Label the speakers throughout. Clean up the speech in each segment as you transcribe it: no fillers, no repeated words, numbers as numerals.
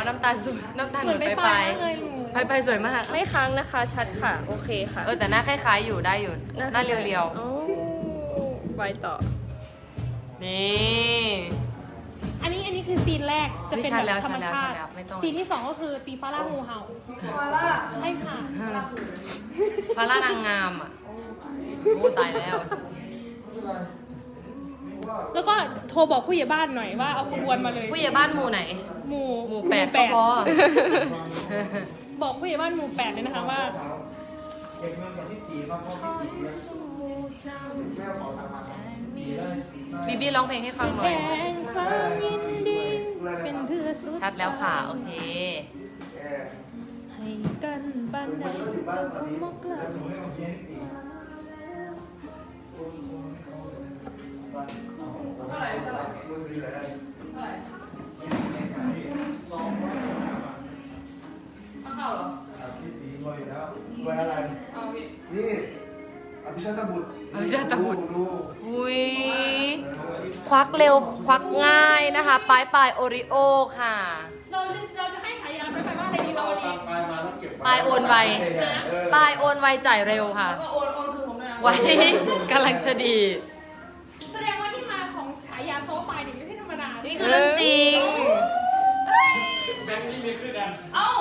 Speaker 1: ว่าน้ำตาลสวยน้ำตาลเหมือนไปสวยมาก
Speaker 2: ไม่ค้างนะคะชัดค่ะโอเคค่ะ
Speaker 1: แต่หน้าคล้ายๆอยู่ได้อยู่หน้าเรียว
Speaker 2: ๆไปต่อ
Speaker 1: นี่
Speaker 3: อันนี้คือซีนแรกจะเป็นแบบธรรมชาติ
Speaker 1: ไม่ต้อง
Speaker 3: ซีนที่2ก็คือตีฟาร่างูเห่าใช่ค่ะ
Speaker 1: พาร่านางงามอ่ะโอ้ตายแล้ว
Speaker 3: แล้วก็โทรบอกผู้ใหญ่บ้านหน่อยว่าเอาขบวนมาเลย
Speaker 1: ผู้ใหญ่บ้านหมู่ไหน
Speaker 3: หมู่
Speaker 1: หมู่8ก็พอ
Speaker 3: บอกผู้ใหญ่บ้านหมู่8เลยนะคะว่า
Speaker 4: เก็บเงินกับพี่ตีเขาเข้าพี่ตีแม่ขอตังค์มาครับ
Speaker 1: บีบี้ร้องเพลงให้ฟังหน่อย
Speaker 3: แสดงความยินดีเป็นเธอสุด
Speaker 1: ชัดแล้วค่ะโอเค
Speaker 3: ให้กันบ้านใดจะคงมกลา
Speaker 4: หนูให้เขาเชียร์พี่ตี
Speaker 5: มือถือเลย
Speaker 1: เข้าเหรอ
Speaker 4: พี่ตีรวยอยู่แล้ว
Speaker 5: รวยอะไรนี่อภิชาติบุตร
Speaker 1: อภิชาติบุตร
Speaker 5: ดู
Speaker 1: อุ้ยควักเร็วควักง่ายนะคะปลายโอริโอค่ะ
Speaker 3: เราจะให้ฉายาไปว่าอะไรดี
Speaker 5: เรา
Speaker 3: เราวัน
Speaker 5: ตา
Speaker 3: นี้
Speaker 5: มปลายมาแล้วเก็บ
Speaker 1: ปลายโอนไวปลายโอนไวจ่ายเร็วค่ะ
Speaker 3: ก็โอนคืนผมเลยนะ
Speaker 1: ไว้กำลังจะดี
Speaker 3: แสดงว่าที่มาของฉายาโซฟาเนี่ยไม่ใช่ธรรมดา
Speaker 1: นี่คือเรื่องจริง
Speaker 4: แบงค์นี่มีขึ้นอัน
Speaker 3: เอ้า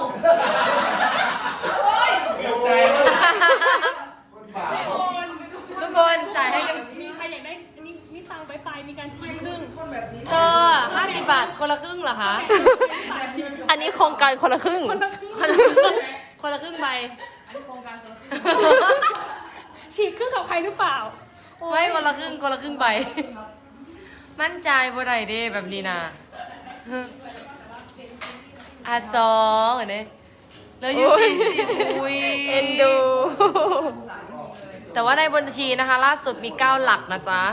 Speaker 4: เกือบใจ
Speaker 5: คนบาป
Speaker 3: ไม่โอน
Speaker 1: ทุกคนจ่ายให้กัน
Speaker 3: มีใครอยากได้อันนี้นี่ตังไปมีการชิมครึ่ง
Speaker 1: เธอ50 บาทคนละครึ่งเหรอคะ
Speaker 2: อันนี้โครงการคนละครึ่ง
Speaker 1: คนละครึ่งใบ
Speaker 3: ฉีกครึ่งกับใครหรือเปล่า
Speaker 1: ไม่คนละครึ่งใบ มั่นใจบ่ได้เด้แบบนี้นะ2เหรอเนี่ยแล้วอยู่40อุ้ย
Speaker 2: เอ็นดู
Speaker 1: แต่ว่าในบัญชีนะคะ ล่าสุดมี9 หลักนะจ๊ะ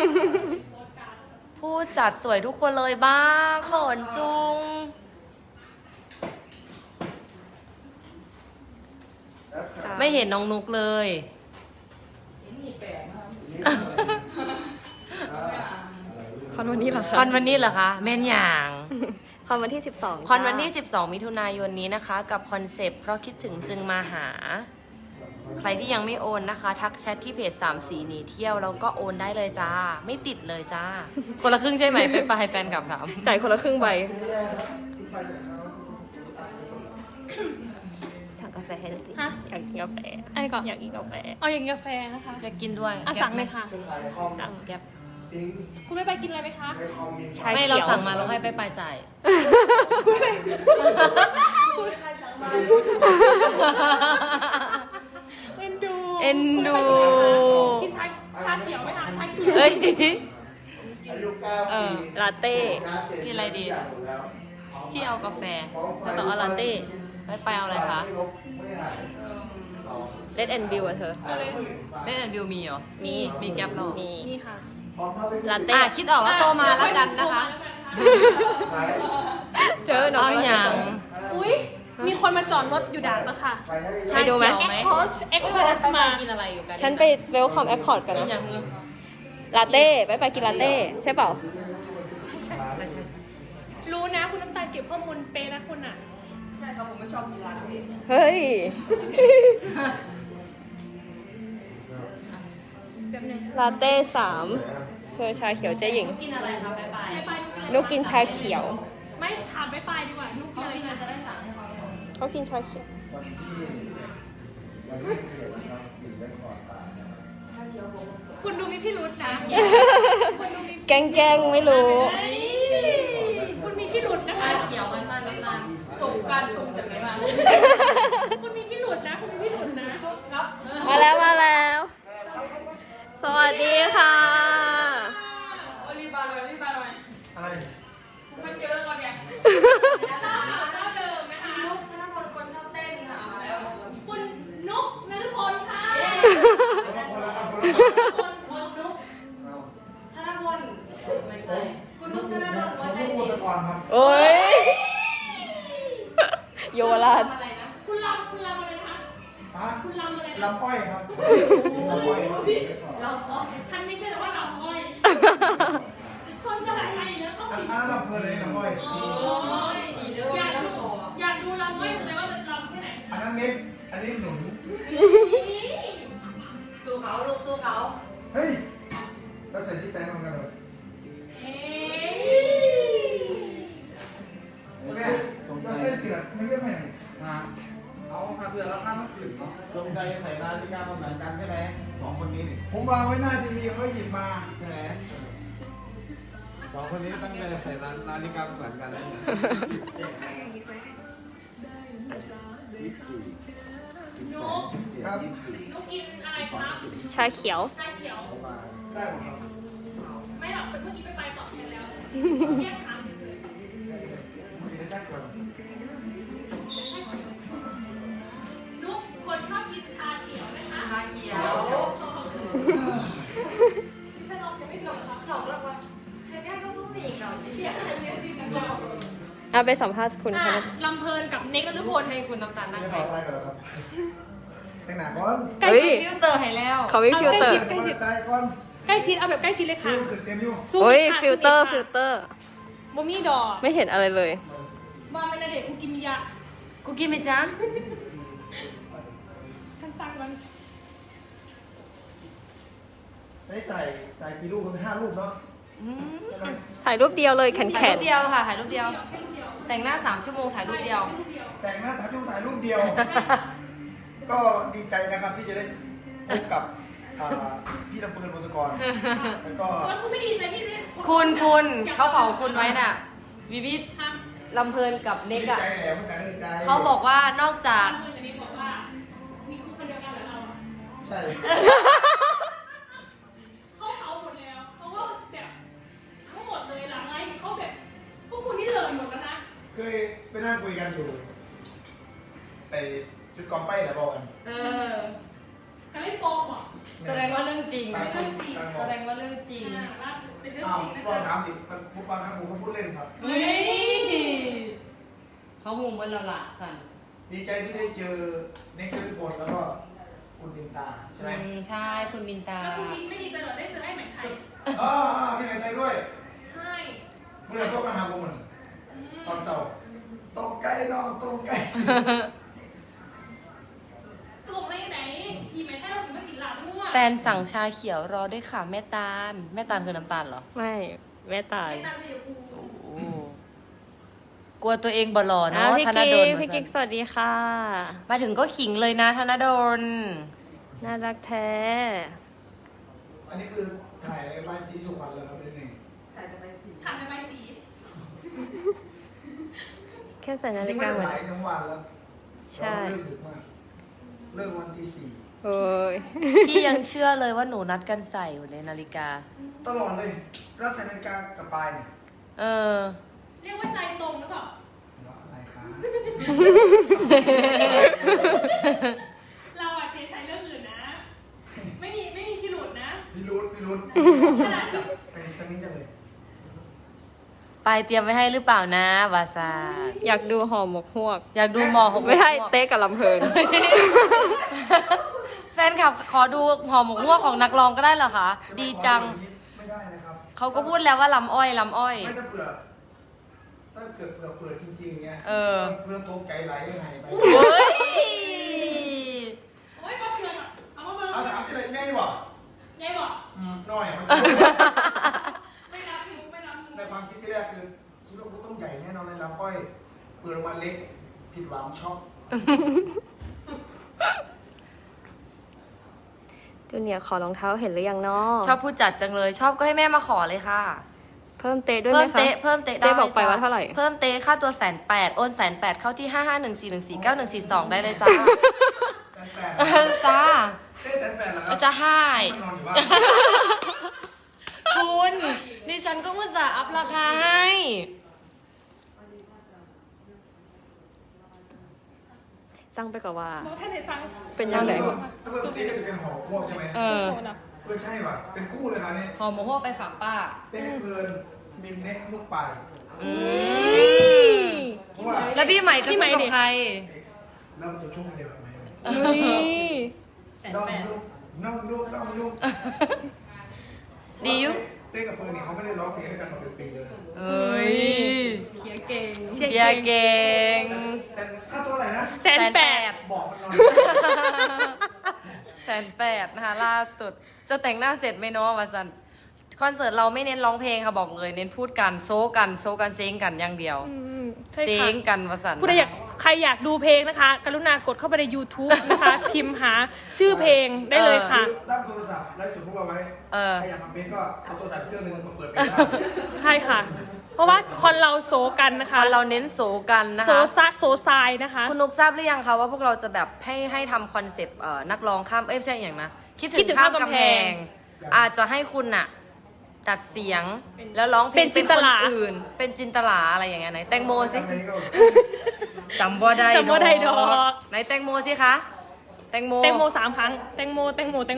Speaker 1: ผู้จัดสวยทุกคนเลยบ้างเขินจุง ไม่เห็นน้องนุกเลย
Speaker 2: คอนวันนี้เหรอ
Speaker 1: ค
Speaker 2: คะ
Speaker 1: อนวันนี้เหรอคะแม่นอย่าง
Speaker 2: คอนวันที่12
Speaker 1: คอนวันที่ 12 มิถุนายนนี้นะคะ กับคอนเซปต์เพราะคิดถึงจึงมาหา ใครที่ยังไม่โอนนะคะ ทักแชทที่เพจ3สีหนีเที่ยวแล้วก็โอนได้เลยจ้า ไม่ติดเลยจ้า คนละครึ่งใช่ไหมไปแฟนกลับถาม
Speaker 2: จ่ายคนละครึ่งใบ
Speaker 5: ไม่แย่ครับขึ้นไปจากเขา
Speaker 2: สั่งกาแฟให้หน่อยดิ
Speaker 3: ฮะ
Speaker 2: อยากกินกาแฟ
Speaker 3: อะไรก่อน
Speaker 2: อยากกินกาแฟ
Speaker 3: เอาอย่างกาแฟนะคะ
Speaker 1: อยากกินด้วย
Speaker 3: อ่ะสั่งเลยค่ะ
Speaker 5: จะขายคอม
Speaker 1: สั่งแก๊ป
Speaker 5: ทิ้ง
Speaker 3: คุณไม่ไปกินอะไรไหมคะ
Speaker 5: ในคอมมี
Speaker 2: ใช่
Speaker 1: ไม่เราสั่งมาแล้วให้ไปจ่าย
Speaker 3: เอ็นดู
Speaker 1: เอ็นดู
Speaker 3: กินชาเขียวไหมคะชาเขียว
Speaker 1: เฮ้ย
Speaker 5: อายุ9 ปี
Speaker 2: ลาเต้
Speaker 1: กินอะไรดี พี่เอากาแฟ
Speaker 2: แล้วก็เอาลาเต้
Speaker 1: ไปเอาอะไรคะ
Speaker 5: ไม่หาย
Speaker 2: เลดแอนด์บิวอะเธอ
Speaker 1: เล่นแอนด์วิวมีเหรอ มีแก๊ปเหรอ
Speaker 2: มี
Speaker 3: นี่ค่ะ
Speaker 5: พร้อมภาพไป
Speaker 2: ลาเต้
Speaker 1: คิดออกแล้วโทรมาแล้วกันนะคะ
Speaker 5: ขาย
Speaker 2: เธอหนู
Speaker 1: เอาอย่าง
Speaker 3: อุ้ยมีคนมาจอดรถอยู่ด่านแล้วค่ะ
Speaker 5: ขายให้
Speaker 1: ใช่ดูไหม
Speaker 3: เอ็กคอร์ชมา
Speaker 1: กินอะไรอยู่กัน
Speaker 2: ฉันไปเวลคอมแอคคอร์ดกัน
Speaker 1: กินอ
Speaker 2: นะ
Speaker 1: ย่างนึง
Speaker 2: ลาเต้ไปกินลาเต้ใช่เปล่า
Speaker 3: รู้นะคุณน้ำตาลเก็บข้อมูลเป๊ะนะคุณอ่ะ
Speaker 2: เฮ้ย
Speaker 3: แบบนึง
Speaker 2: ลาเต้3เธอชาเขียวเจ๊หญิง
Speaker 1: กินอะไรคะบ๊ายบาย
Speaker 3: ไป
Speaker 2: นุกกินชาเขียว
Speaker 3: ไม่ถามไปดีกว่านุกกินอะไร
Speaker 1: พี่
Speaker 3: คะ
Speaker 1: จะได้สั่งให้เขาเลย
Speaker 2: เขากินชาเขียว
Speaker 5: วันที่วันที่เกิดทำสิ่งแรกก่อนตาย
Speaker 3: คุณดูมีพี่รุธนะคุณดูมี
Speaker 2: แกล้งไม่รู้
Speaker 3: คุณมีพี่รุธนะคะ
Speaker 1: ชาเขียวมาสั้นน้ำตาลถูกการชมจากไหนมา
Speaker 3: คุณมีพี่รุธนะคุณมีพี่รุธนะครับ
Speaker 2: มาแล้ว สวัสดีค่ะ
Speaker 1: รีบมาเลย
Speaker 4: อะไร
Speaker 1: มันเจอแล้วก่อนเนี่ย
Speaker 3: เจ้าเดิมนะคะ
Speaker 1: นุ๊กชนะพลคนชอบเต้นค่ะ
Speaker 3: คุณนุกนฤพลค่ะ
Speaker 5: คนละครับคนละครับ
Speaker 1: คนนุ๊ก
Speaker 5: เอา
Speaker 1: ธนพลไม่ใช่คุณนุ๊กธนดลหัวใจ
Speaker 5: ลูก
Speaker 1: สิ
Speaker 5: สกรครับ
Speaker 2: โอ้ยโยวราช
Speaker 1: อะไรนะ
Speaker 3: คุณลำอะไรนะคะ
Speaker 5: ฮะ
Speaker 3: คุณลำอะไรนะ
Speaker 5: ลำอ้อยครับลำอ้อยครับ
Speaker 1: เราขอ
Speaker 3: ฉันไม่ใช่แต่ว่าลำอ้อยคนจะอะไรนะเขา
Speaker 5: อัน
Speaker 3: ผิด
Speaker 5: นั้นลำเพลินเลยลำอ้อย
Speaker 3: โอ้ยอยากรู้
Speaker 4: นนี้หนุน
Speaker 1: สู้เขาลูกสู้เขา
Speaker 4: เฮ้ยเราใส่ที่แซงเหมือนกันเลย
Speaker 3: เฮ้ย
Speaker 4: แม่เราใส่เสือมันเรียกแม่
Speaker 5: มาเอามาเพื่อแล้วข้ามคืนเนาะตรงใจใส่นาฬิกาเหมือนกันใช่ไหมสองคนนี้นี่
Speaker 4: ผมวางไว้หน้าทีวีเขาหยิบมา
Speaker 5: ใช่ไหมสองคนนี้ตั้งใจใส่นาฬิกาเหมือนกันเลย
Speaker 3: นุ
Speaker 5: 24
Speaker 3: ๊ก
Speaker 4: ครับ
Speaker 3: นุ๊กกินอะไรครับ
Speaker 2: ชาเขียว
Speaker 3: ชาเขียว
Speaker 4: ได้หมดครับ
Speaker 3: ไม่หรอกเป็นเมื่อกี้ไปตอบแทนแล้วแยกถามเฉย
Speaker 4: มีได้แค่ก่อน
Speaker 3: ๆนุ๊กคนชอบกินชาเขียวไหมคะ
Speaker 1: ชาเขียว
Speaker 3: ดิฉันลองจะไม่ลองครับ
Speaker 1: สองแล้วว่าใครได้ก็สู้ตีอีกหน่อย
Speaker 3: เสียอะไรเสียสิกันเรา
Speaker 2: เอาไปสัมภาษณ์คุณค่ะ
Speaker 3: ลำเพลินกับเน็กนฤพล
Speaker 1: ให้คุณน้ำตาลนั่ง
Speaker 4: ไม่
Speaker 1: ไป
Speaker 4: ขอทายก่อนครับแต่งหนาก่อน
Speaker 3: ใกล้
Speaker 2: เฮ้ย
Speaker 3: ชิด
Speaker 1: ฟิลเตอร์ให้แล้ว
Speaker 2: เขาไม่ฟิลเตอร์
Speaker 3: ใกล้ชิด
Speaker 4: ทายก่อน
Speaker 3: ใกล้ชิดเอาแบบใกล้ชิดเลย
Speaker 4: คิ
Speaker 3: ค่ะ
Speaker 4: วขึ้นเต็มอยู่
Speaker 3: สู้
Speaker 2: โอ้ย
Speaker 3: ค่ะ
Speaker 2: ฟิลเตอร์
Speaker 3: สู้
Speaker 2: ฟิล
Speaker 3: ค่ะ
Speaker 2: เตอร์
Speaker 3: บ่มีดอก
Speaker 2: ไม่เห็นอะไรเลย
Speaker 3: มาเป็นเด็กกูกินมียา
Speaker 1: กูกินไหมจ๊ะ
Speaker 3: ฉันสั่งมัน
Speaker 4: ได้จ่ายกี่รูปมัน5รูปเนาะ
Speaker 1: อืม
Speaker 4: ใช่ไหม
Speaker 2: ถ่ายรูปเดียวเลยแขน
Speaker 1: ถ่ายรูปเดียวค่ะถ่ายรูปเดียว แต่งหน้า3 ชั่วโมงถ่ายรูปเดียว
Speaker 4: แต่งหน้าถ่ายรูปเดียว ก็ดีใจนะครับที่จะได้พบกับพี่ลำเพลินวงศกรแล้วก็
Speaker 3: แล้วคุณไม่ดีใจที่ได้
Speaker 1: คุณเขาเผาคุณไว้น่ะวิวิท
Speaker 3: ฮะ
Speaker 1: ลำเพลินกับเน็ก
Speaker 4: ดี
Speaker 1: อะ
Speaker 4: ใจแหละไม่แต่ก็ดีใจ
Speaker 1: เขาบอกว่านอกจาก
Speaker 3: ลำเพลินกับเน็กบอกว่า มีคุณคนเดียวกันเหรอเราอะ
Speaker 4: ใช่
Speaker 3: เขาหมดแล้วเขาก็แบบทั้งหมดเลยหลังไงเขาแบบพวกคุณนี่เลยหมดแล้วนะ
Speaker 4: เคยไปนั่งคุยกันอยู่ไอ้จุดกองไฟแหละบอกกัน
Speaker 1: เออ
Speaker 3: การเล่นโปมเหรอ
Speaker 1: แสดงว่าเรื่องจริง
Speaker 4: ต่างคนต่างบ
Speaker 1: แส
Speaker 4: อก
Speaker 1: ดงว่าเรื่องจริง
Speaker 3: ล่าสุดเป็นเรื่อง
Speaker 4: อ้าว
Speaker 3: จริงนะ
Speaker 4: ก็
Speaker 3: คะ
Speaker 4: ถามสิมันพูดบางครั้งผมก็พูดเล่นครับ
Speaker 1: เฮ้ยเขาหูมันละละสั่น
Speaker 4: ดีใจที่ได้เจอเน็กทุกคนแล้วก็คุณดินตาใช่ไหม
Speaker 1: ใช่คุณบินตา
Speaker 3: แล้วคุณมินไม่ดีใจเหรอได้เจอไอ้ไหมไทย
Speaker 4: อ๋อมีใครใช้ด้วย
Speaker 3: ใช่
Speaker 4: เมื่อไหร่โทรมาหาผมมันตอนเสาร์ตรงใกล้น้องตรงใกล้
Speaker 3: ตรงไหนไหนอีไหมไทยเราสิมากินหลาบมั่ว
Speaker 1: แฟนสั่งชาเขียวรอด้วยค่ะแม่ตาล แม่ตาลคือน้ำตาลเหรอ
Speaker 2: ไม่แม่ตาย
Speaker 3: ไม่ตามใจอยู่กู
Speaker 1: โอ้กลัวตัวเองบ่หล่อ
Speaker 2: อ้า
Speaker 1: เนาะ
Speaker 2: วพี่
Speaker 1: ธน
Speaker 2: กิ๊
Speaker 1: ดล
Speaker 2: กพี่กิ๊กสวัสดีค่ะ
Speaker 1: มาถึงก็ขิงเลยนะธนดล
Speaker 2: น่ารักแท้
Speaker 4: อันนี้คือถ่ายใบสีสุพรรณเลยครับเป็นไง
Speaker 3: ทำในใบสี
Speaker 2: แค่ใส่นา
Speaker 4: จริ
Speaker 2: ฬิ
Speaker 4: งๆไม่
Speaker 2: กา
Speaker 4: ได้
Speaker 2: เหมือน
Speaker 4: ถ่ายทั้งวันแล้ว
Speaker 2: ใช่
Speaker 4: เราเลิกดึกมากเลิกวันที่
Speaker 2: โอ้ย
Speaker 1: พี่ยังเชื่อเลยว่าหนูนัดกันใส่อยู่ในนาฬิกา
Speaker 4: 4ตลอดเลยแล้วใส่นาฬิกากับปลายเนี่ย
Speaker 1: เออ
Speaker 3: เรียกว่าใจตรงหรือเปล่า
Speaker 4: แล้วอะไรคะ
Speaker 3: เราอะเฉยใช้เรื่องอื่นนะ ไม่มีพิรุธนะ
Speaker 4: พี่รุ้
Speaker 3: ขนาด
Speaker 4: จับเป็นจังนี้จังเลย
Speaker 1: ไปเตรียมไว้ให้หรือเปล่านะวาซา
Speaker 2: อยากดูห่อหมกฮวก
Speaker 1: อยากดูหมอของ
Speaker 2: ไม่ใช่เต้กับลำเพลิน
Speaker 1: แฟนคลับขอดูหอหมกหัวกของนักร้องก็ได้เหรอคะ ดีจัง
Speaker 4: ไม่ได้นะครับ
Speaker 1: เขาก็พูดแล้วว่าลำอ้อยลำอ้อย
Speaker 4: ไม่ถ้าเผื่อถ้าเกิดเผื่อเปิดจริงๆเงี้ย
Speaker 1: เออ
Speaker 4: เพื่อนตกใจไหลยังไงไป
Speaker 1: เฮ้ย
Speaker 3: โอ้ยมาเสือกอะเอามาเบิ่ง
Speaker 4: เอาถามที่ไหนง่ายวะ
Speaker 3: ยายบอก
Speaker 4: น้อย
Speaker 3: ไม่รับมุกไม่รับมุก
Speaker 4: ในความคิดที่แรกคือคิดว่าต้องใหญ่แน่นอนเลยลำอ้อยเปิดออกมาเล็กผิดหวังช็อก
Speaker 2: จูเนียร์ขอรองเท้าเห็นหรือยังเนาะ
Speaker 1: ชอบพูดจัดจังเลย ชอบก็ให้แม่มาขอเลยค่ะ
Speaker 2: เพิ่มเตะด้วยไหม
Speaker 1: เพิ่ม
Speaker 2: คะ
Speaker 1: เตะเพิ่มเตะ
Speaker 2: เจ๊บอก
Speaker 1: ด้
Speaker 2: ไป
Speaker 1: จ้ะ
Speaker 2: ว่าเท่าไหร่
Speaker 1: เพิ่มเตะค่าตัว180,000โอน180,000เข้าที่5514149142ได้เลยจ้า
Speaker 4: 180,000
Speaker 1: เออจ้า
Speaker 4: เต้180,000เหรอครับ
Speaker 1: จะให้
Speaker 4: นอนอยู่บ้าน
Speaker 1: คุณดิฉันก็อุตส่าห์อัพราคาให้
Speaker 2: สั่งไปกับว่า
Speaker 3: บอกท่านไหนฟัง
Speaker 2: เป็นยังไง
Speaker 4: ถ้าเพิ่มตีก็จะเป็นหอพวกใช่ไหม
Speaker 1: เออ
Speaker 3: โซนอะ
Speaker 4: ใช่ป่ะเป็นคู่เลยครับเนี่ย
Speaker 1: หอหมกหัวกไปฝากป้า
Speaker 4: เต้เพลินมินเน็กลูกปลาย
Speaker 1: อืม
Speaker 4: เพราะว่า
Speaker 1: แล้วพี่ใหม่จะพูดกับใคร
Speaker 4: เริ่มตัวช่วงเดียวไหม
Speaker 2: นี่
Speaker 4: น้องลูกน้องลูกน้องลูก
Speaker 1: ดีอยู่
Speaker 4: เต้กับเพลินนี่เขาไม่ได้ร้องเพลงด้วยกันมาเป็นปีแล้วนะ
Speaker 1: เอ้ย
Speaker 3: เขียเก่ง
Speaker 1: เชียร์เก่ง
Speaker 4: แต่ค่าตัวอะไรนะบอกมันนอน
Speaker 1: 180,000นะคะล่าสุดจะแต่งหน้าเสร็จไหมเนาะวาซันคอนเสิร์ตเราไม่เน้นร้องเพลงค่ะบอกเลยเน้นพูดกันโซกันเซ้งกันอย่างเดียว
Speaker 2: ใช่
Speaker 1: เซ้
Speaker 2: ค่ะ
Speaker 1: งกันวาซัน
Speaker 2: ผู้ใดใครอยากดูเพลงนะคะ กรุณากดเข้าไปใน YouTube นะคะ พิมพ์หาชื่อเพลงได้เลยค่ะ
Speaker 4: ตั้งโทรศัพท์ไลฟ์สดพวกเราไว้ใครอยากมาเป็นก็เอาโทรศัพท์เครื่องนึงมาเปิดเป็น
Speaker 2: ใช่ค่ะ เพราะว่าคนเราโซกันนะคะ
Speaker 1: คนเราเน้นโซกันนะ
Speaker 2: โซ
Speaker 1: คะ
Speaker 2: ซะโซซายนะคะ
Speaker 1: คุณนุกทราบหรือยังคะว่าพวกเราจะแบบให้ทำคอนเซปต์นักร้องข้ามไม่ใช่อย่างนะคิดถึงข้ามกำแพง อาจจะให้คุณน่ะตัดเสียงแล้วร้องเพลง
Speaker 2: เป็นจินตลา
Speaker 1: คนอื่น เป็นจินตลาอะไรอย่างเงี้ยไหนแตงโมสิจำบ่ได้
Speaker 2: จำบ่ได้ดอก
Speaker 1: ไหนแตงโมสิคะแตงโม
Speaker 2: แตงโม3 ครั้ง แตงโม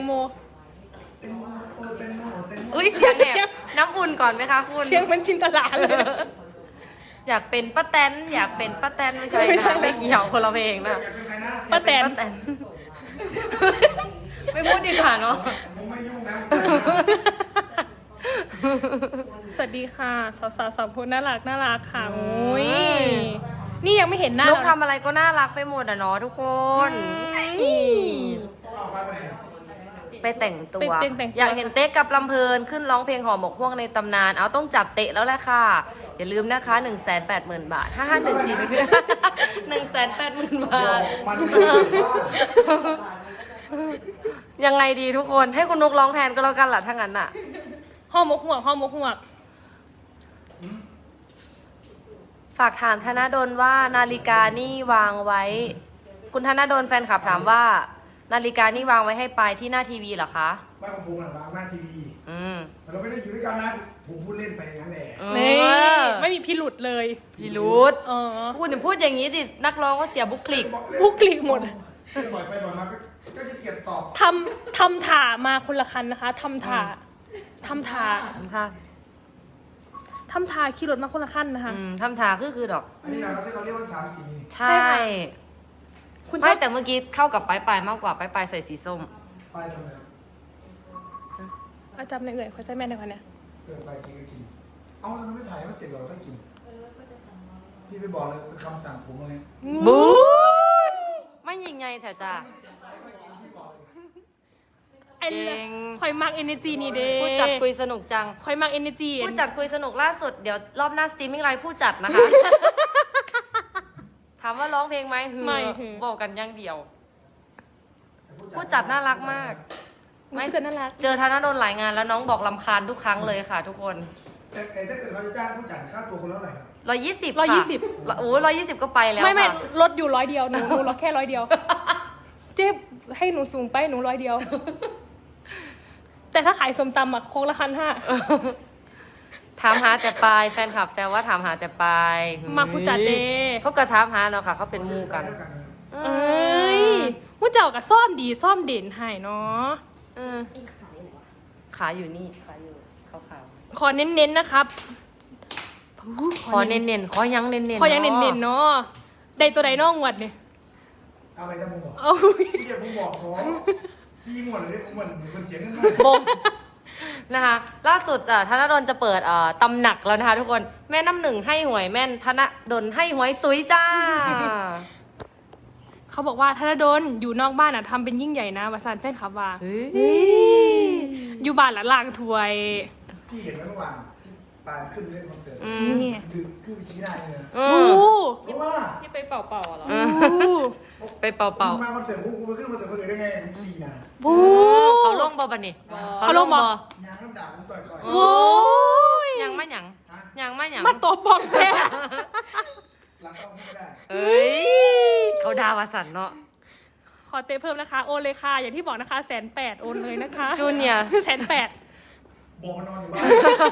Speaker 1: อุ้ยเสียงแบบน้ำอุ่นก่อนไหมคะคุณ
Speaker 2: เสียงมันจินตลาเลย
Speaker 1: อยากเป็นป้าแตนอยากเป็นป้าแตนไม่ใช่
Speaker 2: ไม่ใช่
Speaker 1: ค่ะไม่เกี่ยวคนละเพลงนะ
Speaker 4: อยากเป็นใครนะ
Speaker 2: ป้าแตน
Speaker 1: อยกเป็ป้าแตน ไม่พูดดีกว่าเนาะ
Speaker 4: ผมไม่ยุ่งนะ
Speaker 2: สวัสดีค่ะ สาวๆ2 คนน่ารักค่ะโอ้ยนี่ยังไม่เห็นหน้า
Speaker 1: นุกทำอะไรก็น่ารักไปหมดอะเนาะทุกคนอี
Speaker 4: ออกมาไปไหน
Speaker 1: ไปแต่งตัว
Speaker 2: ไปแต่งตัว
Speaker 1: อยากเห็นเต๊กกับลำเพลินขึ้นร้องเพลงหอหมกฮวกในตำนาน เอาต้องจัดเตะแล้วแหละค่ะ อย่าลืมนะคะ 180,000 บาท 5514นะพี่ 180,000 บาท
Speaker 4: มันไม่ได้อยู่บ้าน
Speaker 1: ยังไงดีทุกคนให้คุณนุกร้องแทนก็แล้วกันล่ะถ้างั้นอะ
Speaker 2: ห่อหมกหวก
Speaker 1: ฝากถามธนดลว่านาฬิกานี่วางไว้ คุณธนดลแฟนคลับถามว่า นาฬิกานี่วางไว้ให้ปลายที่หน้าทีวีเหรอคะ
Speaker 4: บ้านของผมวางหน้าทีวี
Speaker 1: อืม
Speaker 4: เราไม่ได้อยู่ด้วยกันนะ ผมพูดเล่นไปอย่างนั้นแหละ
Speaker 2: นี่ไม่มีพิรุษเลย
Speaker 1: พี่รูด
Speaker 2: อ๋อ
Speaker 1: คุณอย่าพูดอย่างนี้ดินักร้องก็เสียบุคลิก
Speaker 2: บุคลิกหมด
Speaker 4: บ่อยไปบ่อยมาก็จะเกลียดตอบ
Speaker 2: ทำถ่ามาคนละคันนะคะทำถ่าขี่รถมาคนละคันนะคะ
Speaker 1: ทำทาคือดอก
Speaker 4: อันนี้นะครับที่เขาเรียกว่าสามสี
Speaker 1: ใช่
Speaker 2: ใช่ค่ะ คุณช
Speaker 1: ไม่
Speaker 2: อบ
Speaker 1: แต่เมื่อกี้เข้ากับปลายมากกว่าปลายใส่สีส้ม
Speaker 4: ไปทำไม
Speaker 2: อาจารย์ในเอ่ยคอยใส่แม่ในคนเนี้ย
Speaker 4: ไปกินก็กิน เอาทำไมไม่ถ่ายมันเสร็จก่อนเราค่อยกินพี่ไปบอกเลยเป็นคำสั่งผมเลย
Speaker 1: บูไม่ยิงไงแถวจ้า
Speaker 2: ไอ้
Speaker 1: เก่ง
Speaker 2: คอยมักเอเนจีนี่เด้
Speaker 1: ผู้จัดคุยสนุกจัง
Speaker 2: คอยมักเอเนจี
Speaker 1: ผู้จัดคุยสนุกล่าสุดเดี๋ยวรอบหน้าสตรีมมิ่งไลฟ์ผู้จัดนะคะ ถามว่าร้องเพลงไหมฮือบอกกันอย่างเดียว ผู้จัดน่ารักมาก
Speaker 2: ไม่เจอน่ารัก
Speaker 1: เจอธนดลหลายงานแล้วน้องบอกลำคาญทุกครั้งเลยค่ะ ทุกคน
Speaker 4: แต่ถ้าเกิดเขาจะจ้างผู้จัดค่าตัวคนละเท่าไหร่ครับ
Speaker 1: 120ค่ะโอ้120ก็ไปแล้ว
Speaker 2: ไม่
Speaker 1: ค่ะ
Speaker 2: ลดอยู่100 เดียวหนูลดแค่100 เดียว เจ๊ให้หนูสูงไปหนู100 เดียว แต่ถ้าขายส้มตำอะโคกละ1,500
Speaker 1: ถามหาแต่ปลายแฟนคลับแซวว่าถามหาแต่ปลาย
Speaker 2: มาผู้จัดเด้
Speaker 1: เขาก็ถามหาเนาะค่ะเขาเป็นหมูกัน
Speaker 2: เอ้ยผู้เจ้ากับซ่อมดีซ่อมเด่นให้เนาะ
Speaker 1: ขาอยู่นี่ขาอยู่ขาว
Speaker 2: ขอเน้นๆนะครับ
Speaker 1: ๆขอเน้นๆขอยังเน้นๆ
Speaker 2: ขอยังเน้นๆเนาะได้ตัวใดน้องหวดเนี่ย
Speaker 4: เอาไปจะมึงบอก
Speaker 2: เอา
Speaker 4: พี่จะมึงบอกขอซีหมดเลยผมเหมือนคนเสียเงิน
Speaker 1: บงนะคะล่าสุดธนดลจะเปิดตำหนักแล้วนะคะทุกคนแม่น้ำหนึ่งให้หวยแม่นธนดลให้หวยซุยจ้า
Speaker 2: เขาบอกว่าธนดลอยู่นอกบ้านทำเป็นยิ่งใหญ่นะวาซานแฟนคลับว่า
Speaker 1: เฮ้ย
Speaker 2: อยู่บ้านละลางถวย
Speaker 4: พี่เห็นไหมเมื่อวานที่ปานขึ้นเล่นคอนเสิร์ต
Speaker 2: นี่
Speaker 4: ดึกคือชี้ได้เลยนะ
Speaker 1: อื
Speaker 2: โอ้
Speaker 1: ม
Speaker 4: เพราะว่า
Speaker 3: ที่ไปเป่าๆเหรอ
Speaker 1: ไปเป่า
Speaker 4: คุณมาคอนเสิร์ตคุณไปขึ้นคอนเสิร์ตคนอื่นได้ไงผม4นะ
Speaker 2: โอ้
Speaker 1: เขาลงบ่บันนี่
Speaker 2: เขาลงบ่
Speaker 4: ยางน้ำด่าผมต่อย
Speaker 2: โอ้ย
Speaker 1: ยังไม่หยังยังไม่หยัง
Speaker 2: มาตบบอกแท้
Speaker 4: หลังกล้องไม่ได้
Speaker 1: เอ้ยเขาดาวาสันเนาะ
Speaker 2: ขอเตะเพิ่มนะคะ โอนเลยค่ะ อย่างที่บอกนะคะ180,000โอนเลยนะคะ
Speaker 1: จูเนียร์
Speaker 2: 180,000
Speaker 4: บอกมันนอนอยู่บ้าน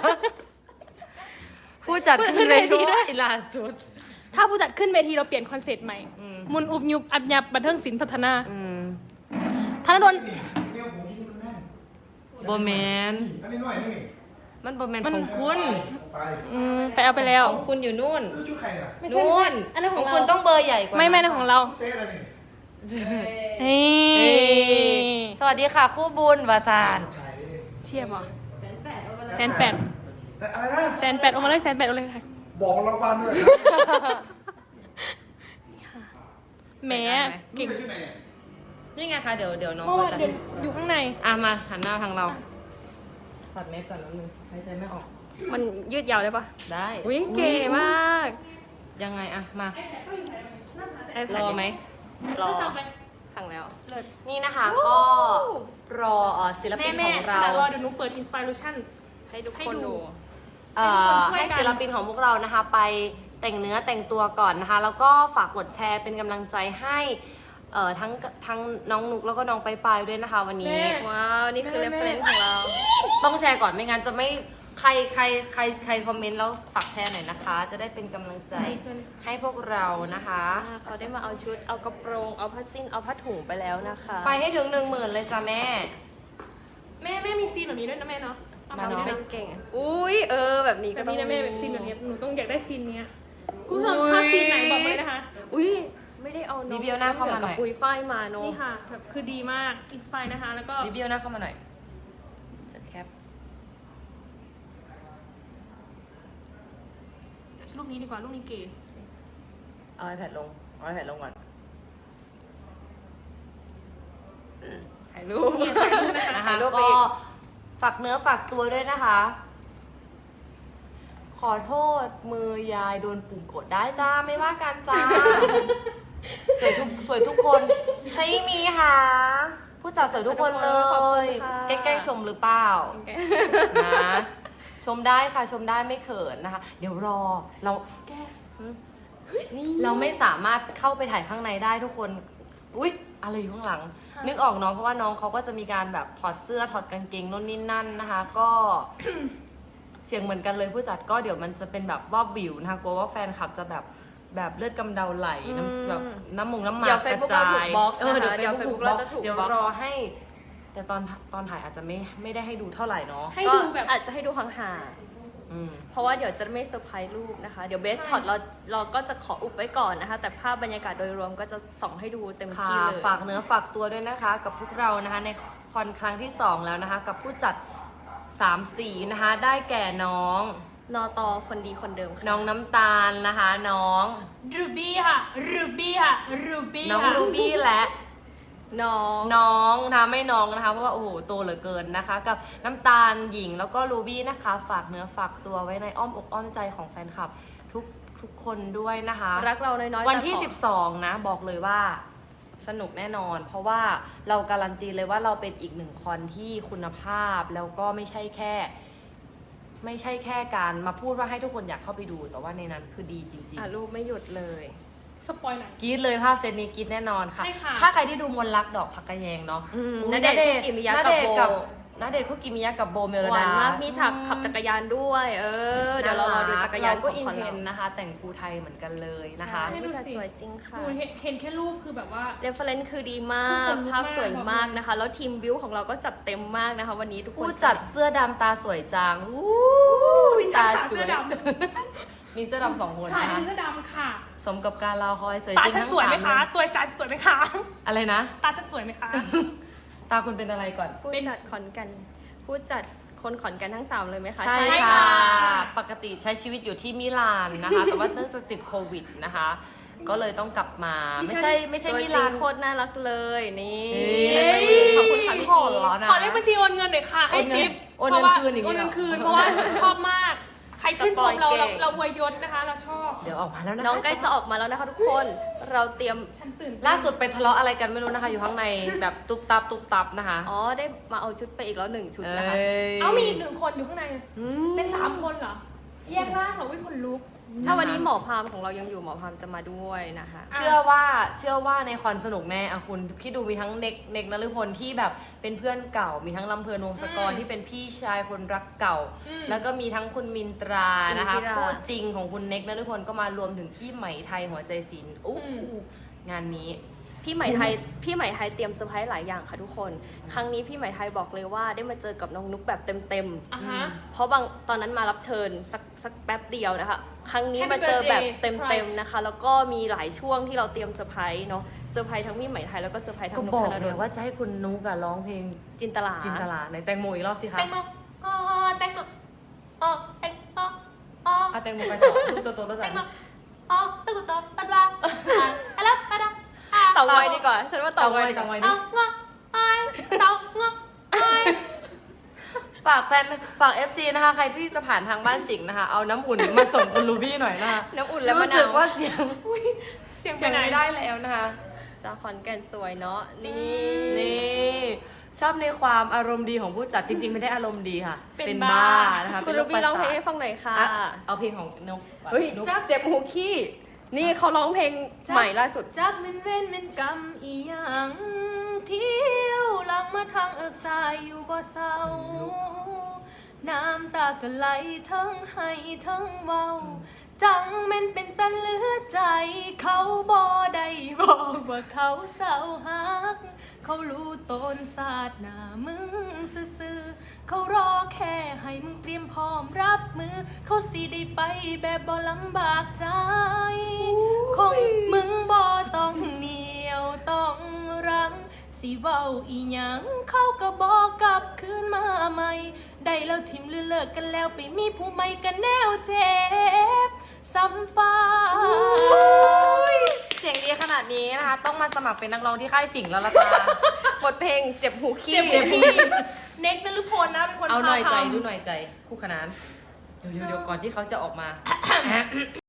Speaker 1: ผู้จัดขึ้นเลยด้วยล่าสุด
Speaker 2: ถ้าผู้จัดขึ้นเวทีเราเปลี่ยนคอนเซ็ปต์ใหม่ มุนอุบยุบอับยับบันเทิงศิลป์พัฒนาธนดล
Speaker 4: เนี่ยผมคิดมันแน่น
Speaker 1: โบแมน
Speaker 4: อันนี้หน่อยนี่
Speaker 1: มันโบแมนของคุณ
Speaker 4: ไป
Speaker 2: ไปเอาไปแล้ว
Speaker 1: ของคุณอยู่นู่น
Speaker 4: ชุดใครล่ะ
Speaker 2: ไม่ใช่
Speaker 1: นู่น
Speaker 2: อันนั้นของเรา
Speaker 1: คุณต้องเบอร์ใหญ่กว่า
Speaker 2: ไม่นะของเรา
Speaker 4: เต้อะไรนี่
Speaker 2: เฮ้
Speaker 1: เอ้ย
Speaker 2: ย
Speaker 1: สวัสดีค่ะคู่บุญวาซาน
Speaker 4: ชายดิ
Speaker 2: เชียบเหรอ180,000
Speaker 4: แต่อะไรนะ
Speaker 2: 180,000โอนมาเลย180,000โอนเลยค่ะ
Speaker 4: บอกรางวัลด้วย
Speaker 2: แหม
Speaker 4: ลู
Speaker 2: เก่
Speaker 4: ก
Speaker 2: ง
Speaker 4: ใส่ชุดไหนเนี่ย
Speaker 1: นี่ไงคะเดี๋ยวน้อง
Speaker 2: เพราะว่า
Speaker 1: จะ
Speaker 2: เดี๋ยวอยู่ข้างใน
Speaker 1: มาหันหน้าทางเราถอดเมสก่อนนิดนึงหายใจไม่ออก
Speaker 2: มันยืดยาวได้ปะ
Speaker 1: ได้
Speaker 2: อุ้ยเก๋มาก
Speaker 1: ยังไงมา
Speaker 2: iPad
Speaker 1: รอไหม
Speaker 2: รอ
Speaker 3: ก็สั่งไป
Speaker 2: ขังแล้ว
Speaker 3: เลิศ
Speaker 1: นี่นะคะก็รอศิลปิน
Speaker 3: แม่
Speaker 1: ของเรา
Speaker 3: แต่รอเดี๋ยวหนูเปิดอินสปิเรชัน
Speaker 2: ให้ทุก
Speaker 3: ให้
Speaker 2: คน
Speaker 3: ดู
Speaker 2: ดู
Speaker 3: ให้ทุกคนช่วย
Speaker 1: ให้
Speaker 3: กัน
Speaker 1: ศิลปินของพวกเรานะคะ ไปแต่งเนื้อแต่งตัวก่อนนะคะ แล้วก็ฝากกดแชร์เป็นกำลังใจให้ทั้งน้องนุกแล้วก็น้องไปายด้วยนะคะ วันนี้
Speaker 2: ว้าว นี่คือ reference ของเรา
Speaker 1: ต้องแชร์ก่อนไม่งั้นจะไม่ใครคอมเมนต์แล้วฝากแชร์หน่อยนะคะ จะได้เป็นกำลังใจให้พวกเรานะคะ
Speaker 2: เขาได้มาเอาชุด เอากระโปรง เอาผ้าสิ้น เอาผ้าถุงไปแล้วนะคะ
Speaker 1: ไปให้ถึง10,000เลยจ้ะแม่
Speaker 3: แม่มีซีนแบบนี้ด้วยนะแม่เนาะเอา
Speaker 1: มา
Speaker 3: มา
Speaker 1: เนาะ
Speaker 3: เป็
Speaker 2: เป็น นเก่ง อุ้ยแบบนี้
Speaker 3: แบ
Speaker 2: ก็
Speaker 3: บ
Speaker 2: ต้อง
Speaker 3: นี้นะแม่แบบซีนแบบนี้หนูต้องอยากได้ซีนเนี้ยคุณผู้ชมชอบซีนไหนบอกเลยนะคะ
Speaker 2: อุ้ยไม่ได้เอาน้อง
Speaker 1: รีวิวหน้าเข้ามาหน่อย
Speaker 2: กับปุยฝ้ายมาเนาะ
Speaker 3: นี่ค่ะแบบคือดีมากอินสปายนะคะ แล้วก็
Speaker 1: รีวิวหน้าเข้ามาหน่อยจะแคป
Speaker 3: ลูกนี้ดีกว่าลูกนี้เก๋
Speaker 1: เอา iPad ลงเอา iPad ลงก่อน
Speaker 2: ถ่ายรูป
Speaker 1: นะคะ
Speaker 2: ถ่ายรูปไป
Speaker 1: ก็
Speaker 2: อีก
Speaker 1: ฝากเนื้อฝากตัวด้วยนะคะ ขอโทษมือยายโดนปุ่มกดได้จ้าไม่ว่ากันจ้า สวยทุกคนใช่มีค่ะผู้จัดสวยทุกคนเล
Speaker 2: ขอบคุ
Speaker 1: ย
Speaker 2: ณค่ะ
Speaker 1: แกล้งชมหรือเปล่านะชมได้ค่ะชมได้ไม่เขินนะคะ เดี๋ยวรอเราเราไม่สามารถเข้าไปถ่ายข้างในได้ทุกคนอุ๊ยอะไรอยู่ข้างหลัง นึกออกเนาะเพราะว่าน้องเขาก็จะมีการแบบถอดเสื้อถอดกางเกงนู่นนี่นั่นนะคะ ก็ เสียงเหมือนกันเลยผู้จัดก็เดี๋ยวมันจะเป็นแบบว่าวิวนะคะกลัวว่าแฟนคลับจะแบบเลือดกำเดาไหลน้ำแบบน้ำหมาก
Speaker 2: เดี๋ยว
Speaker 1: กระ
Speaker 2: Facebook
Speaker 1: จา
Speaker 2: เราถู
Speaker 1: ย
Speaker 2: กบล็อก
Speaker 1: เดี๋ยว
Speaker 2: นะคะเดี๋ยว
Speaker 1: Facebook
Speaker 2: Facebook เราจะถูก
Speaker 1: เดี๋ยว
Speaker 2: บล็อก
Speaker 1: รอให้ แต่ตอนถ่ายอาจจะไม่ได้ให้ดูเท่าไหร่เนาะ
Speaker 3: ให้
Speaker 2: ก็
Speaker 3: ดูแบบ
Speaker 2: อาจจะให้ดูห่าง
Speaker 1: อืม
Speaker 2: ๆเพราะว่าเดี๋ยวจะไม่เซอร์ไพรส์รูปนะคะ เดี๋ยวเบสช็อตเราก็จะขออุบไว้ก่อนนะคะ แต่ภาพบรรยากาศโดยรวมก็จะส่องให้ดูเต็ม
Speaker 1: ค่ะ
Speaker 2: ที่เลย
Speaker 1: ฝากเนื้อฝากตัวด้วยนะคะ กับพวกเรานะคะ ในคอนครั้งที่ 2 แล้วนะคะ กับผู้จัด3สีนะคะ ได้แก่น้อง
Speaker 2: นอตอคนดีคนเดิมค่ะ
Speaker 1: น้องน้ำตาลนะคะ น้อง
Speaker 3: รูบี้ค่ะรูบี้ค่ะรูบี้
Speaker 1: น้อง
Speaker 3: ค่ะ
Speaker 1: รูบี้และ
Speaker 2: น้อง
Speaker 1: น้องนะคะไม่น้องนะคะเพราะว่าโอ้โหโตเหลือเกินนะคะ กับน้ำตาลหญิงแล้วก็รูบี้นะคะ ฝากเนื้อฝากตัวไว้ในอ้อมอกอ้อมใจของแฟนคลับทุกคนด้วยนะคะ
Speaker 2: รักเราน้อยๆ
Speaker 1: วันที่
Speaker 2: แต่ขอ
Speaker 1: 12 นะบอกเลยว่าสนุกแน่นอน เพราะว่าเราการันตีเลยว่าเราเป็นอีกหนึ่งคอนที่คุณภาพแล้วก็ไม่ใช่แค่การมาพูดว่าให้ทุกคนอยากเข้าไปดู แต่ว่าในนั้นคือดีจริง
Speaker 2: อ่ะรูปไม่หยุดเลย
Speaker 3: สปอยหน่อย
Speaker 1: ๆกรี๊ดเลยภาพเซตนี้กรี๊ดแน่นอนค่ะ
Speaker 3: ใช่ค่ะ
Speaker 1: ถ้าใครที่ดูมนต์รักดอกผักกระแยงเนาะ
Speaker 2: ณเดชน์คุกิมิยะกับโบ
Speaker 1: ณเดชน์คุกิมิยะกับโบเมล
Speaker 2: หวา
Speaker 1: ดาน
Speaker 2: มากมีฉากขับจักรยานด้วย เดี๋ยวเรารอดูจักรยาน
Speaker 1: เก็
Speaker 2: ของ
Speaker 1: อิน
Speaker 2: คอน
Speaker 1: เท
Speaker 2: เรา
Speaker 1: นนะคะ แต่งครูไทยเหมือนกันเลยนะคะ
Speaker 2: ใช่ผู้จัดสวยจริงค่ะ
Speaker 3: หนูเห็นแค่รูปคือแบบว่า
Speaker 2: เรฟเฟรนซ์คือดีมา
Speaker 3: คือค
Speaker 2: ก
Speaker 3: นลุก
Speaker 2: ภาพสวย
Speaker 3: มาก
Speaker 2: มากนะคะ แล้วทีมบิวของเราก็จัดเต็มมากนะคะ วันนี้ทุกคน
Speaker 1: ผู้จัดเสื้อดำตาสวยจังอู้
Speaker 3: วิชา
Speaker 1: ตาส
Speaker 3: เสื้
Speaker 1: ว
Speaker 3: อย ด
Speaker 1: มีเสื้อดำ2 คน
Speaker 3: ำใช่
Speaker 1: นะคะ
Speaker 3: เสื้อดำค่ะ
Speaker 1: สมกับการรอคอยสวย
Speaker 3: ตา
Speaker 1: จริง
Speaker 3: ฉัน
Speaker 1: ทั้ง
Speaker 3: สวยไหม
Speaker 1: 3
Speaker 3: คะ
Speaker 1: เลย
Speaker 3: ตัวจานสวยไหมคะ
Speaker 1: อะไรนะ
Speaker 3: ตาฉันสวยไหมคะ
Speaker 1: ตาคุณเป็นอะไรก่อน
Speaker 2: ผู้จัดขอนแกันผู้จัดคนขอนแกันทั้ง 3 เลยไหมคะ
Speaker 1: ใช่
Speaker 3: ใช่
Speaker 1: ค่ะ
Speaker 3: ค่ะ
Speaker 1: ปกติใช้ชีวิตอยู่ที่มิลานนะคะ แต่ว่าเนื่องจากติดโควิดนะคะ ก็เลยต้องกลับมา ไม่ใช่
Speaker 2: ตัว
Speaker 1: มิ
Speaker 2: จริ
Speaker 1: ลาง น
Speaker 2: โคตรน่ารักเลยนี่
Speaker 1: เฮ้ย
Speaker 2: ขอบคุณค่ะพี่
Speaker 1: ขอ
Speaker 2: พี
Speaker 1: ร้อนนะ
Speaker 3: ขอเลขบัญชีโอนเงินหน่อยค่ะ ให้
Speaker 1: โอนเงิน
Speaker 3: ทิป
Speaker 1: โอนเงินคืนอย่างนี้
Speaker 3: โอนเงิน
Speaker 1: เหรอ
Speaker 3: คืนเพราะว่าชอบมาก ใครชื่นชมเรา
Speaker 2: สปอยเก่ง
Speaker 3: เราอวยยศนะคะ เราชอบ
Speaker 1: เดี๋ยวออกมาแล้วนะคะ
Speaker 2: น้องใกล้จะออกมาแล้วนะคะทุกคน เราเตรียม
Speaker 3: ฉันตื่นเต้น
Speaker 1: ล่าสุดไปทะเลาะอะไรกันไม่รู้นะคะ อยู่ข้างในแบบตุ๊บตับนะคะ
Speaker 2: อ๋อได้มาเอาชุดไปอีกแล้ว1 ชุดนะคะ
Speaker 3: เอามีอีก1 คนอยู่ข้างใน เป็น3 คนเหรอ แยกร่างเหรอวิคนลุก
Speaker 2: ถ้าวันนี้หมอพามของเรายังอยู่หมอพามจะมาด้วยนะคะ
Speaker 1: เชื่อว่าในคอนสนุกแน่อะคุณคิดดูมีทั้งเน็กนฤพลที่แบบเป็นเพื่อนเก่า มีทั้งลำเพลินวงศกรที่เป็นพี่ชายคนรักเก่า แล้วก็มีทั้งคุณมินตรานะคะ
Speaker 2: มินตรา
Speaker 1: คู่จริงของคุณเน็กนฤพลก็มารวมถึงพี่ไหมไทยหัวใจศิลป์อู้งานนี้
Speaker 2: พี่ไหมไทยเตรียมเซอร์ไพรส์หลายอย่างค่ะทุกคน ครั้งนี้พี่ไหมไทยบอกเลยว่าได้มาเจอกับน้องนุ๊กแบบเต็ม
Speaker 3: อ่ะฮะ
Speaker 2: ๆเพราะตอนนั้นมารับเชิญสักแป๊บเดียวนะคะ ครั้งนี้
Speaker 3: Happy
Speaker 2: มาเจอแบบ
Speaker 3: birthday
Speaker 2: เต็ม
Speaker 3: surprise
Speaker 2: ๆนะคะ แล้วก็มีหลายช่วงที่เราเตรียมเซอร์ไพรส์เนาะเซอร์ไพรส์ทั้งพี่ไหมไทยแล้วก็เซอร์ไพรส์ทั้
Speaker 1: ก็
Speaker 2: งนุ๊
Speaker 1: บ
Speaker 2: ก
Speaker 1: อก
Speaker 2: ธนด
Speaker 1: เลย
Speaker 2: ล
Speaker 1: ว่าจะให้คุณนุกอะร้องเพลง
Speaker 2: จินตลา
Speaker 1: จินตลาในแตงโมอีกรอบสิคะ
Speaker 3: แตงโมแตงโมแตงโม
Speaker 1: อะแตงโมไปต่อลูกโตๆแล้ว
Speaker 3: แต
Speaker 1: กัน
Speaker 3: งโมตึกตบตัดว่าอะไรอะไร
Speaker 1: เรา
Speaker 2: ไว้ดีกว่าฉันว่าเต่างอยดีก
Speaker 1: เต่างอยดิ
Speaker 2: ว่าเงาะไอ้เต่างะไอ้
Speaker 1: ฝาก FC นะคะ ใครที่จะผ่านทางบ้านสิงห์นะคะ เอาน้ำอุ่นมาส่งคุณลูบี้หน่อยนะคะ
Speaker 2: น้ำอุ่นและมะ
Speaker 1: รู้
Speaker 2: นา
Speaker 1: สึ
Speaker 2: ว
Speaker 1: กว่าเสียง
Speaker 2: เสียง
Speaker 1: เสียง
Speaker 2: ไปไหน
Speaker 1: ไม่ได้แล้วนะคะ
Speaker 2: สาวขอนแก่นสวยเนาะนี่
Speaker 1: นี่ชอบในความอารมณ์ดีของผู้จัดจริงๆไม่ได้อารมณ์ดีค่ะ
Speaker 2: เป็นบ้า
Speaker 1: นะคะ
Speaker 2: คุณ
Speaker 1: เป็นโร
Speaker 2: รู
Speaker 1: ค
Speaker 2: บี้
Speaker 1: ประ
Speaker 2: ร้องเพล
Speaker 1: สาง ท
Speaker 2: ให้ฟังหน่อยค่ะ
Speaker 1: อ่ะเอาเพลงของนก
Speaker 2: เฮ้ย
Speaker 1: นก
Speaker 2: จักเจ็บหูขี้นี่เขาร้องเพลงใหม่ล่าสุด
Speaker 3: จักเป็นเว้นเป็นกรรมอีหยังเที่ยวหลังมาทางเอิกสายอยู่บ่เศร้า น้ำตาก็ไหลทั้งให้ทั้งเว้า จังแม่นเป็นตันเหลือใจ เขาบ่ได้บอกว่าเขาเศร้าหัก เขารู้ตนศาสตร์หน้ามึงซื่อๆเขารอแค่ให้มึงเตรียมพร้อมรับมือ เขาสิได้ไปแบบบ่ลำบากใจ คงมึงบ่ต้องเหนียวต้องรั้งสิเว้าอีหยังเขาก็บอกกลับคืนมาใหม่ ได้แล้วทิมหรือเลิกกันแล้วไปมีผู้ใหม่กันแนวเจ็บซ้ำฟ้า
Speaker 1: เสียงดีขนาดนี้นะคะ ต้องมาสมัครเป็นนักร้องที่ค่ายสิงห์แล้วล่ะจ้า
Speaker 2: บทเพลงเจ็บหูขี้
Speaker 3: เจ็บพี่เน็กนฤพลนะเป็นคน
Speaker 1: เอาหน่อยใจ
Speaker 3: พาทำ
Speaker 1: ดูหน่อยใจ คู่ขนานเดี๋ยวก่อนที่เขาจะออกมา